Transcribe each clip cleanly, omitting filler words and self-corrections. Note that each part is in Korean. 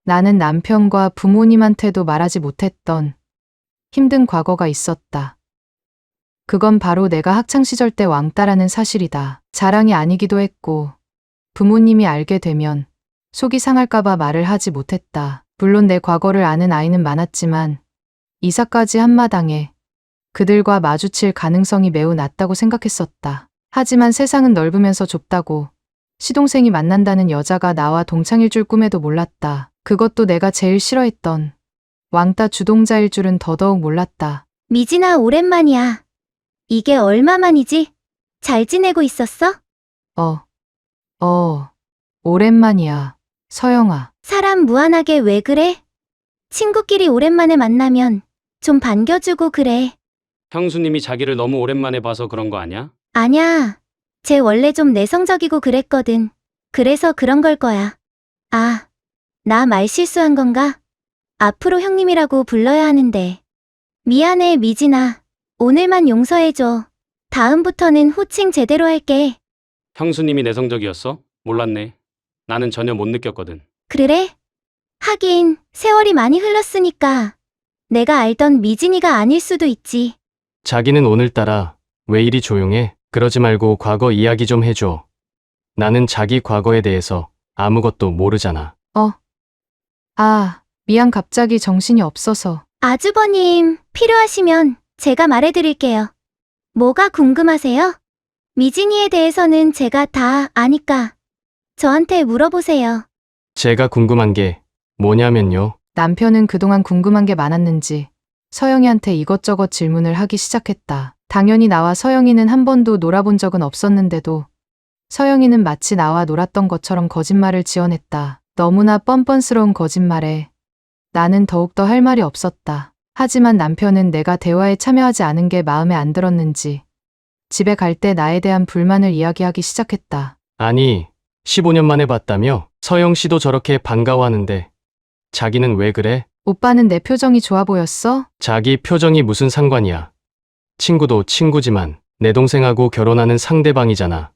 나는 남편과 부모님한테도 말하지 못했던 힘든 과거가 있었다. 그건 바로 내가 학창시절 때 왕따라는 사실이다. 자랑이 아니기도 했고 부모님이 알게 되면 속이 상할까봐 말을 하지 못했다. 물론 내 과거를 아는 아이는 많았지만 이사까지 한마당에 그들과 마주칠 가능성이 매우 낮다고 생각했었다. 하지만 세상은 넓으면서 좁다고 시동생이 만난다는 여자가 나와 동창일 줄 꿈에도 몰랐다. 그것도 내가 제일 싫어했던 왕따 주동자일 줄은 더더욱 몰랐다. 미진아, 오랜만이야. 이게 얼마만이지? 잘 지내고 있었어? 오랜만이야, 서영아. 사람 무한하게 왜 그래? 친구끼리 오랜만에 만나면 좀 반겨주고 그래. 형수님이 자기를 너무 오랜만에 봐서 그런 거 아냐? 아냐, 쟤 원래 좀 내성적이고 그랬거든. 그래서 그런 걸 거야. 아, 나 말 실수한 건가? 앞으로 형님이라고 불러야 하는데. 미안해, 미진아. 오늘만 용서해줘. 다음부터는 호칭 제대로 할게. 형수님이 내성적이었어? 몰랐네. 나는 전혀 못 느꼈거든. 그래? 하긴 세월이 많이 흘렀으니까 내가 알던 미진이가 아닐 수도 있지. 자기는 오늘따라 왜 이리 조용해? 그러지 말고 과거 이야기 좀 해줘. 나는 자기 과거에 대해서 아무것도 모르잖아. 미안, 갑자기 정신이 없어서. 아주버님, 필요하시면 제가 말해드릴게요. 뭐가 궁금하세요? 미진이에 대해서는 제가 다 아니까 저한테 물어보세요. 제가 궁금한 게 뭐냐면요. 남편은 그동안 궁금한 게 많았는지 서영이한테 이것저것 질문을 하기 시작했다. 당연히 나와 서영이는 한 번도 놀아본 적은 없었는데도 서영이는 마치 나와 놀았던 것처럼 거짓말을 지어냈다. 너무나 뻔뻔스러운 거짓말에 나는 더욱더 할 말이 없었다. 하지만 남편은 내가 대화에 참여하지 않은 게 마음에 안 들었는지 집에 갈 때 나에 대한 불만을 이야기하기 시작했다. 아니, 15년 만에 봤다며? 서영 씨도 저렇게 반가워하는데 자기는 왜 그래? 오빠는 내 표정이 좋아 보였어? 자기 표정이 무슨 상관이야. 친구도 친구지만 내 동생하고 결혼하는 상대방이잖아.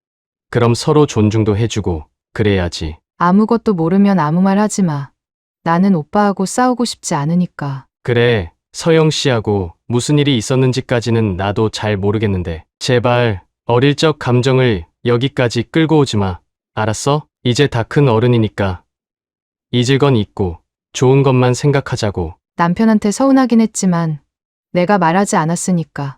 그럼 서로 존중도 해주고 그래야지. 아무것도 모르면 아무 말 하지 마. 나는 오빠하고 싸우고 싶지 않으니까. 그래, 서영 씨하고 무슨 일이 있었는지까지는 나도 잘 모르겠는데 제발 어릴 적 감정을 여기까지 끌고 오지 마. 알았어? 이제 다 큰 어른이니까 잊을 건 잊고 좋은 것만 생각하자고. 남편한테 서운하긴 했지만 내가 말하지 않았으니까.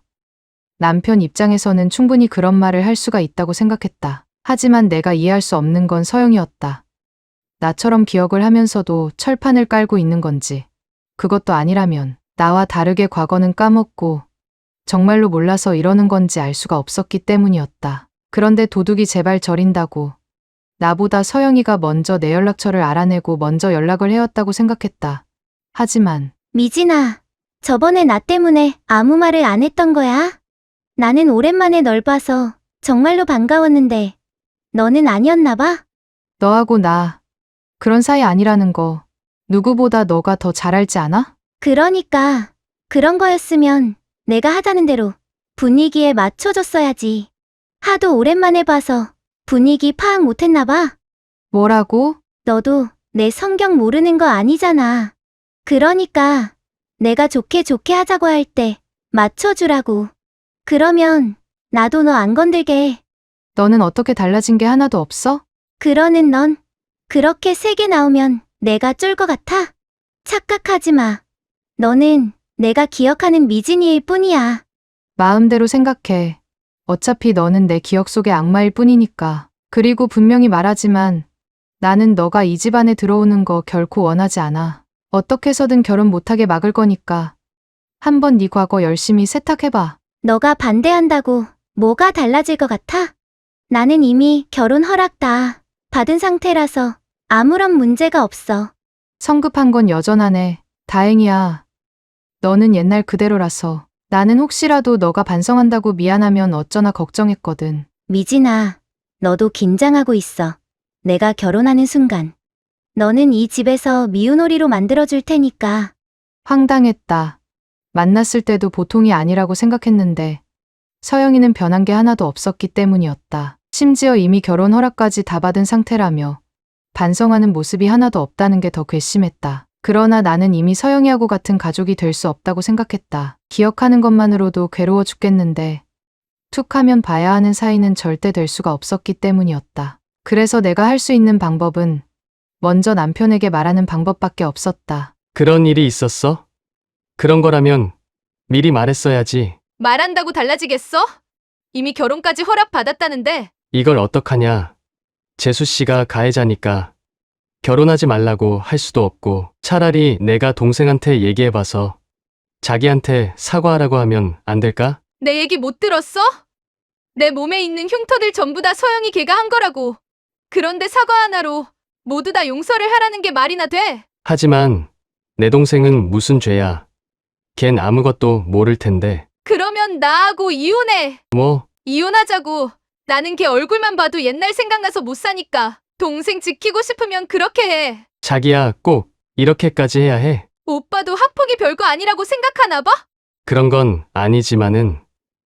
남편 입장에서는 충분히 그런 말을 할 수가 있다고 생각했다. 하지만 내가 이해할 수 없는 건 서영이었다. 나처럼 기억을 하면서도 철판을 깔고 있는 건지, 그것도 아니라면 나와 다르게 과거는 까먹고 정말로 몰라서 이러는 건지 알 수가 없었기 때문이었다. 그런데 도둑이 제발 저린다고 나보다 서영이가 먼저 내 연락처를 알아내고 먼저 연락을 해왔다고 생각했다. 하지만 미진아, 저번에 나 때문에 아무 말을 안 했던 거야? 나는 오랜만에 널 봐서 정말로 반가웠는데 너는 아니었나 봐? 너하고 나 그런 사이 아니라는 거 누구보다 너가 더 잘 알지 않아? 그러니까 그런 거였으면 내가 하자는 대로 분위기에 맞춰줬어야지. 하도 오랜만에 봐서 분위기 파악 못했나 봐. 뭐라고? 너도 내 성격 모르는 거 아니잖아. 그러니까 내가 좋게 하자고 할 때 맞춰주라고. 그러면 나도 너 안 건들게 해. 너는 어떻게 달라진 게 하나도 없어? 그러는 넌 그렇게 세게 나오면 내가 쫄 것 같아? 착각하지 마. 너는 내가 기억하는 미진이일 뿐이야. 마음대로 생각해. 어차피 너는 내 기억 속의 악마일 뿐이니까. 그리고 분명히 말하지만 나는 너가 이 집안에 들어오는 거 결코 원하지 않아. 어떻게 해서든 결혼 못하게 막을 거니까 한번 네 과거 열심히 세탁해봐. 너가 반대한다고 뭐가 달라질 것 같아? 나는 이미 결혼 허락 다 받은 상태라서 아무런 문제가 없어. 성급한 건 여전하네. 다행이야. 너는 옛날 그대로라서. 나는 혹시라도 너가 반성한다고 미안하면 어쩌나 걱정했거든. 미진아, 너도 긴장하고 있어. 내가 결혼하는 순간 너는 이 집에서 미운오리로 만들어줄 테니까. 황당했다. 만났을 때도 보통이 아니라고 생각했는데 서영이는 변한 게 하나도 없었기 때문이었다. 심지어 이미 결혼 허락까지 다 받은 상태라며 반성하는 모습이 하나도 없다는 게 더 괘씸했다. 그러나 나는 이미 서영이하고 같은 가족이 될 수 없다고 생각했다. 기억하는 것만으로도 괴로워 죽겠는데 툭 하면 봐야 하는 사이는 절대 될 수가 없었기 때문이었다. 그래서 내가 할 수 있는 방법은 먼저 남편에게 말하는 방법밖에 없었다. 그런 일이 있었어? 그런 거라면 미리 말했어야지. 말한다고 달라지겠어? 이미 결혼까지 허락받았다는데. 이걸 어떡하냐. 재수 씨가 가해자니까 결혼하지 말라고 할 수도 없고 차라리 내가 동생한테 얘기해봐서 자기한테 사과하라고 하면 안 될까? 내 얘기 못 들었어? 내 몸에 있는 흉터들 전부 다 서영이 걔가 한 거라고. 그런데 사과 하나로 모두 다 용서를 하라는 게 말이나 돼? 하지만 내 동생은 무슨 죄야. 걘 아무것도 모를 텐데. 그러면 나하고 이혼해. 뭐, 이혼하자고. 나는 걔 얼굴만 봐도 옛날 생각나서 못 사니까. 동생 지키고 싶으면 그렇게 해. 자기야 꼭 이렇게까지 해야 해. 오빠도 학폭이 별거 아니라고 생각하나 봐? 그런 건 아니지만은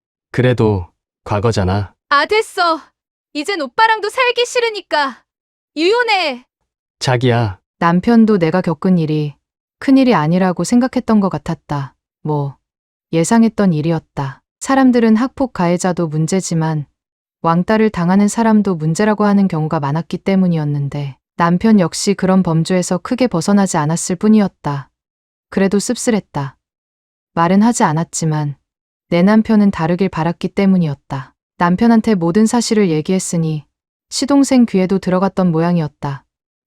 그래도 과거잖아. 아, 됐어. 이젠 오빠랑도 살기 싫으니까 이혼해. 자기야, 남편도 내가 겪은 일이 큰일이 아니라고 생각했던 것 같았다. 뭐, 예상했던 일이었다. 사람들은 학폭 가해자도 문제지만 왕따를 당하는 사람도 문제라고 하는 경우가 많았기 때문이었는데 남편 역시 그런 범주에서 크게 벗어나지 않았을 뿐이었다. 그래도 씁쓸했다. 말은 하지 않았지만 내 남편은 다르길 바랐기 때문이었다. 남편한테 모든 사실을 얘기했으니 시동생 귀에도 들어갔던 모양이었다.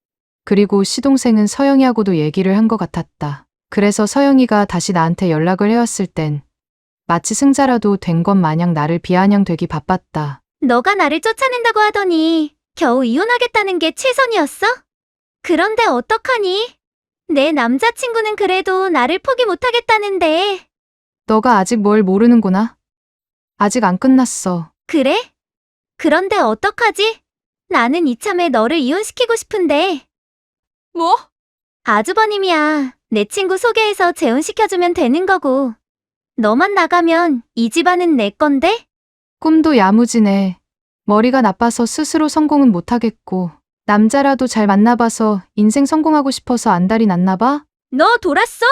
그리고 시동생은 서영이하고도 얘기를 한 것 같았다. 그래서 서영이가 다시 나한테 연락을 해왔을 땐 마치 승자라도 된 것 마냥 나를 비아냥되기 바빴다. 너가 나를 쫓아낸다고 하더니 겨우 이혼하겠다는 게 최선이었어? 그런데 어떡하니? 내 남자친구는 그래도 나를 포기 못하겠다는데. 너가 아직 뭘 모르는구나. 아직 안 끝났어. 그래? 그런데 어떡하지? 나는 이참에 너를 이혼시키고 싶은데. 뭐? 아주버님이야. 내 친구 소개해서 재혼시켜주면 되는 거고. 너만 나가면 이 집안은 내 건데? 꿈도 야무지네. 머리가 나빠서 스스로 성공은 못하겠고 남자라도 잘 만나봐서 인생 성공하고 싶어서 안달이 났나 봐? 너 돌았어!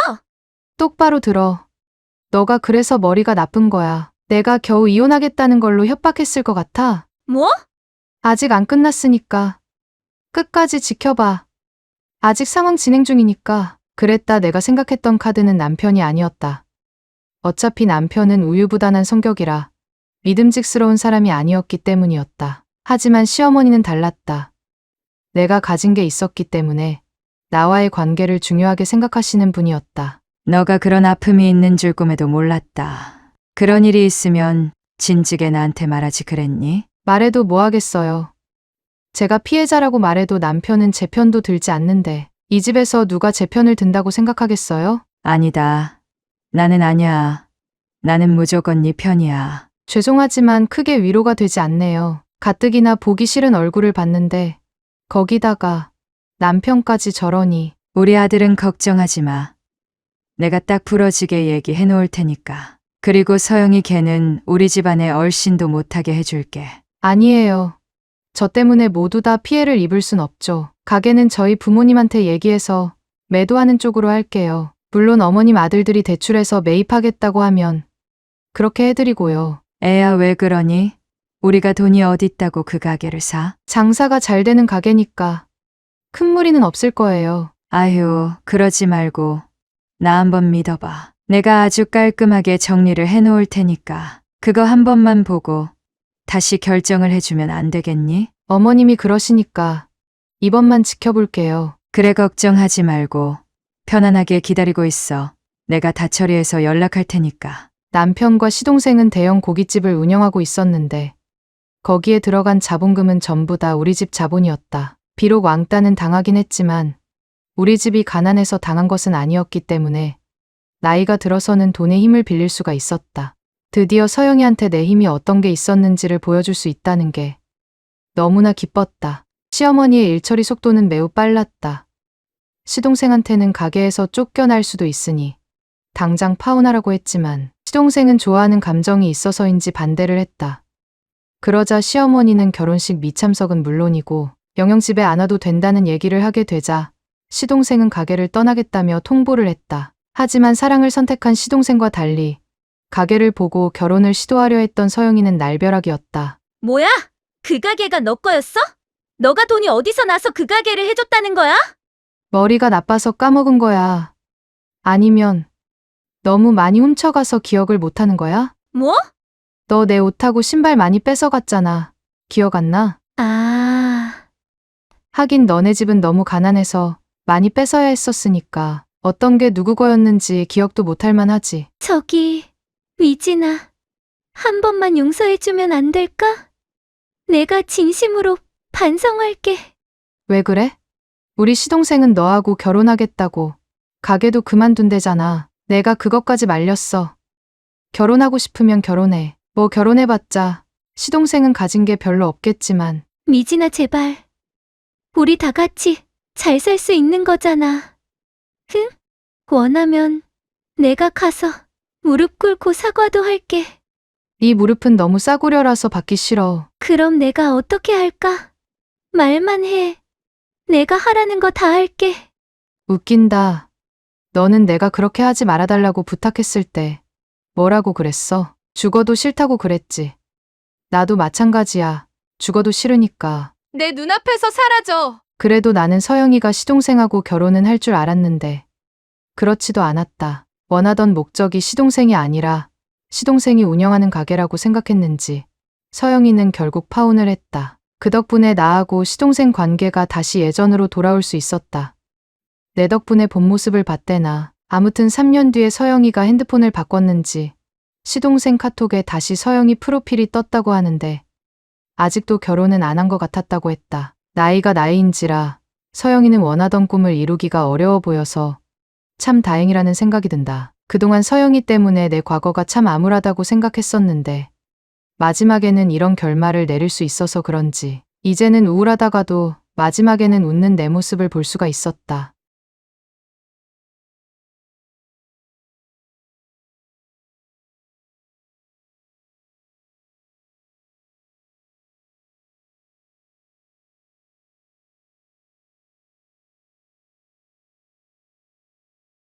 똑바로 들어. 너가 그래서 머리가 나쁜 거야. 내가 겨우 이혼하겠다는 걸로 협박했을 것 같아. 뭐? 아직 안 끝났으니까. 끝까지 지켜봐. 아직 상황 진행 중이니까. 그랬다. 내가 생각했던 카드는 남편이 아니었다. 어차피 남편은 우유부단한 성격이라 믿음직스러운 사람이 아니었기 때문이었다. 하지만 시어머니는 달랐다. 내가 가진 게 있었기 때문에 나와의 관계를 중요하게 생각하시는 분이었다. 너가 그런 아픔이 있는 줄 꿈에도 몰랐다. 그런 일이 있으면 진즉에 나한테 말하지 그랬니? 말해도 뭐 하겠어요. 제가 피해자라고 말해도 남편은 제 편도 들지 않는데 이 집에서 누가 제 편을 든다고 생각하겠어요? 아니다. 나는 아니야. 나는 무조건 네 편이야. 죄송하지만 크게 위로가 되지 않네요. 가뜩이나 보기 싫은 얼굴을 봤는데 거기다가 남편까지 저러니. 우리 아들은 걱정하지 마. 내가 딱 부러지게 얘기해 놓을 테니까. 그리고 서영이 걔는 우리 집안에 얼씬도 못하게 해줄게. 아니에요. 저 때문에 모두 다 피해를 입을 순 없죠. 가게는 저희 부모님한테 얘기해서 매도하는 쪽으로 할게요. 물론 어머님 아들들이 대출해서 매입하겠다고 하면 그렇게 해드리고요. 애야 왜 그러니? 우리가 돈이 어딨다고 그 가게를 사? 장사가 잘 되는 가게니까 큰 무리는 없을 거예요. 아휴, 그러지 말고 나 한번 믿어봐. 내가 아주 깔끔하게 정리를 해놓을 테니까 그거 한 번만 보고 다시 결정을 해주면 안 되겠니? 어머님이 그러시니까 이번만 지켜볼게요. 그래 걱정하지 말고 편안하게 기다리고 있어. 내가 다 처리해서 연락할 테니까. 남편과 시동생은 대형 고깃집을 운영하고 있었는데 거기에 들어간 자본금은 전부 다 우리 집 자본이었다. 비록 왕따는 당하긴 했지만 우리 집이 가난해서 당한 것은 아니었기 때문에 나이가 들어서는 돈의 힘을 빌릴 수가 있었다. 드디어 서영이한테 내 힘이 어떤 게 있었는지를 보여줄 수 있다는 게 너무나 기뻤다. 시어머니의 일처리 속도는 매우 빨랐다. 시동생한테는 가게에서 쫓겨날 수도 있으니 당장 파혼하라고 했지만 시동생은 좋아하는 감정이 있어서인지 반대를 했다. 그러자 시어머니는 결혼식 미참석은 물론이고 영영 집에 안 와도 된다는 얘기를 하게 되자 시동생은 가게를 떠나겠다며 통보를 했다. 하지만 사랑을 선택한 시동생과 달리 가게를 보고 결혼을 시도하려 했던 서영이는 날벼락이었다. 뭐야? 그 가게가 너 거였어? 너가 돈이 어디서 나서 그 가게를 해줬다는 거야? 머리가 나빠서 까먹은 거야. 아니면 너무 많이 훔쳐가서 기억을 못하는 거야? 뭐? 너 내 옷하고 신발 많이 뺏어갔잖아. 기억 안 나? 아, 하긴 너네 집은 너무 가난해서 많이 뺏어야 했었으니까 어떤 게 누구 거였는지 기억도 못할 만하지. 저기, 위진아. 한 번만 용서해주면 안 될까? 내가 진심으로 반성할게. 왜 그래? 우리 시동생은 너하고 결혼하겠다고 가게도 그만둔대잖아. 내가 그것까지 말렸어. 결혼하고 싶으면 결혼해. 뭐 결혼해봤자 시동생은 가진 게 별로 없겠지만 미진아, 제발. 우리 다 같이 잘 살 수 있는 거잖아. 응? 원하면 내가 가서 무릎 꿇고 사과도 할게. 네 무릎은 너무 싸구려라서 받기 싫어. 그럼 내가 어떻게 할까? 말만 해. 내가 하라는 거 다 할게. 웃긴다. 너는 내가 그렇게 하지 말아달라고 부탁했을 때 뭐라고 그랬어? 죽어도 싫다고 그랬지. 나도 마찬가지야. 죽어도 싫으니까. 내 눈앞에서 사라져. 그래도 나는 서영이가 시동생하고 결혼은 할 줄 알았는데 그렇지도 않았다. 원하던 목적이 시동생이 아니라 시동생이 운영하는 가게라고 생각했는지 서영이는 결국 파혼을 했다. 그 덕분에 나하고 시동생 관계가 다시 예전으로 돌아올 수 있었다. 내 덕분에 본 모습을 봤대나. 아무튼 3년 뒤에 서영이가 핸드폰을 바꿨는지 시동생 카톡에 다시 서영이 프로필이 떴다고 하는데 아직도 결혼은 안 한 것 같았다고 했다. 나이가 나이인지라 서영이는 원하던 꿈을 이루기가 어려워 보여서 참 다행이라는 생각이 든다. 그동안 서영이 때문에 내 과거가 참 암울하다고 생각했었는데 마지막에는 이런 결말을 내릴 수 있어서 그런지 이제는 우울하다가도 마지막에는 웃는 내 모습을 볼 수가 있었다.